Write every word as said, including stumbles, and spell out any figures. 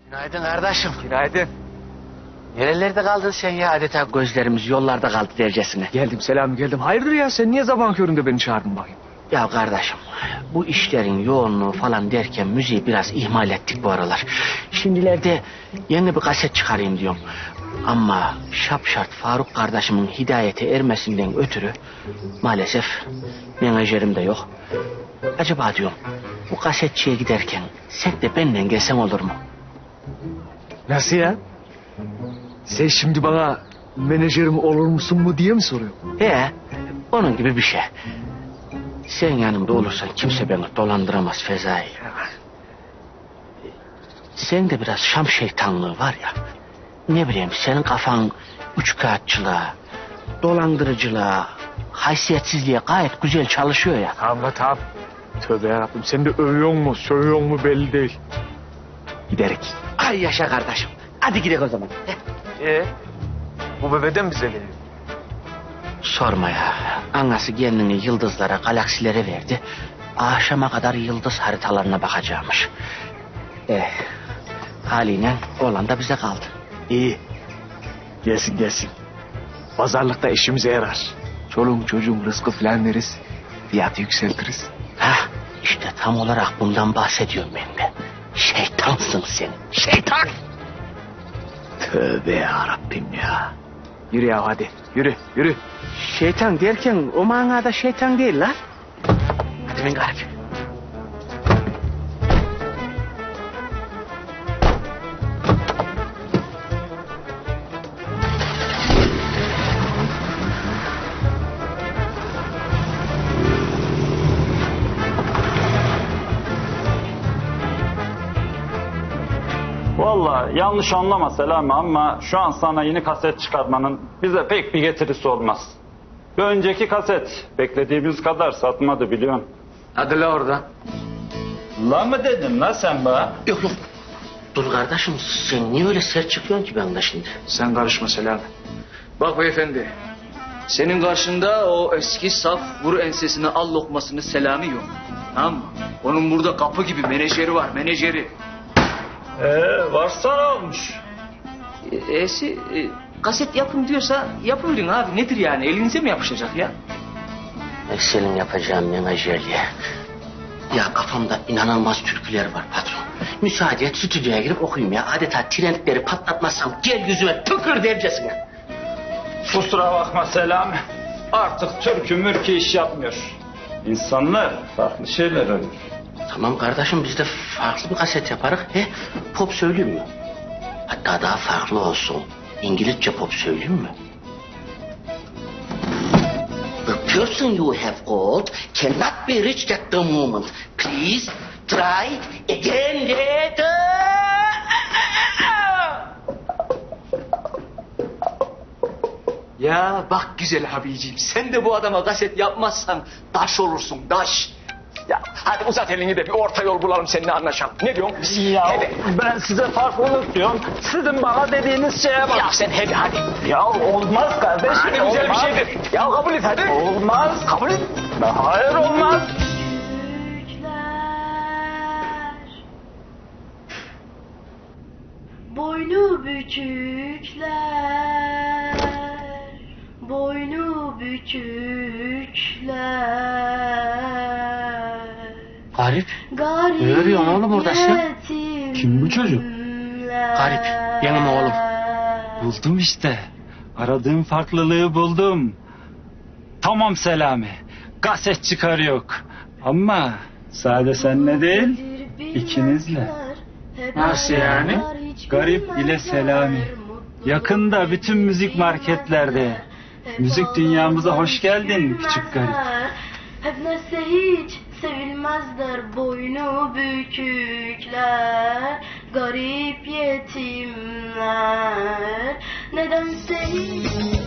Günaydın kardeşim. Günaydın. Nerelerde kaldın sen ya? Adeta gözlerimiz yollarda kaldı dercesine. Geldim Selami geldim. Hayırdır ya sen niye sabahın köründe beni çağırdın bakayım? Ya kardeşim bu işlerin yoğunluğu falan derken müziği biraz ihmal ettik bu aralar. Şimdilerde yeni bir kaset çıkarayım diyorum. Ama şapşart Faruk kardeşimin hidayete ermesinden ötürü maalesef menajerim de yok. Acaba diyorum bu kasetçiye giderken sen de benden gelsen olur mu? Nasıl ya? Sen şimdi bana menajerim olur musun mu diye mi soruyorsun? He, onun gibi bir şey. Sen yanımda olursan kimse beni dolandıramaz Fezai. Sen de biraz Şam şeytanlığı var ya. Ne bileyim senin kafan üçkağıtçılığa, dolandırıcılığa, haysiyetsizliğe gayet güzel çalışıyor ya. Tamam la tamam. Tövbe yarabbim sen de övüyor mu sövüyor mu belli değil. Giderek. Ay yaşa kardeşim. Hadi gidelim o zaman. Ee, bu bebeden bize geliyor. Sorma ya. Anası kendini yıldızlara, galaksilere verdi. Akşama kadar yıldız haritalarına bakacakmış. Eh, haliyle oğlan da bize kaldı. İyi. Gelsin gelsin. Pazarlıkta işimize yarar. Çoluğum çocuğum rızkı falan veririz. Fiyatı yükseltiriz. Hah, işte tam olarak bundan bahsediyorum ben de. Şeytansın sen. Şeytan! Tövbe yarabbim ya. Yürü ya hadi. Yürü yürü. Şeytan derken o manada şeytan değil la. Hadi ben garip. Vallahi yanlış anlama Selami ama şu an sana yeni kaset çıkartmanın bize pek bir getirisi olmaz. Bir önceki kaset beklediğimiz kadar satmadı biliyorsun. Hadi la oradan. La mı dedin la sen bana? Yok yok. Dur kardeşim sen niye öyle sert çıkıyorsun ki benden şimdi? Sen karışma Selami. Bak beyefendi. Senin karşında o eski saf vur ensesine al lokmasını Selami yok. Tamam mı? Onun burada kapı gibi menajeri var menajeri. Ee, varsa ne olmuş? E'si e, kaset yapın diyorsa yapıverin abi. Nedir yani? Elinize mi yapışacak ya? Senin yapacağın menajerliğe. Ya kafamda inanılmaz türküler var patron. Müsaade et stüdyoya girip okuyayım ya. Adeta trendleri patlatmazsam gel yüzüme tükür dercesine. Kusura bakma Selami. Artık türkü mürkü iş yapmıyor. İnsanlar farklı şeyler arıyor. Tamam kardeşim biz de farklı bir kaset yaparız. He, pop söyleyeyim mi? Hatta daha farklı olsun. İngilizce pop söyleyeyim mi? The person you have called cannot be reached at the moment. Please try again later. Ya bak güzel abiciğim. Sen de bu adama kaset yapmazsan daş olursun daş. Ya hadi uzat elini de bir orta yol bulalım seninle anlaşalım. Ne diyorsun? Ya Hadi. ben size farklılık diyorum. Sizin bana dediğiniz şeye bak. Ya sen hadi hadi. Ya olmaz kardeşim. Hadi güzel bir olmaz. şeydir. Ya kabul et hadi. Olmaz. Kabul et. Hayır olmaz. Boynu bükükler, boynu bükükler. Garip. Garip Ne arıyorsun oğlum orada sen? yetimler. Kim bu çocuk? Garip. Benim oğlum. Buldum işte. Aradığım farklılığı buldum. Tamam Selami. Kaset çıkarıyor. Ama sade senle değil, ikinizle. Nasıl yani? Garip ile Selami. Yakında bütün müzik marketlerde. Müzik dünyamıza hoş geldin küçük garip. Hep neyse hiç sevilmezler boynu bükükler, garip yetimler. Nedense hiç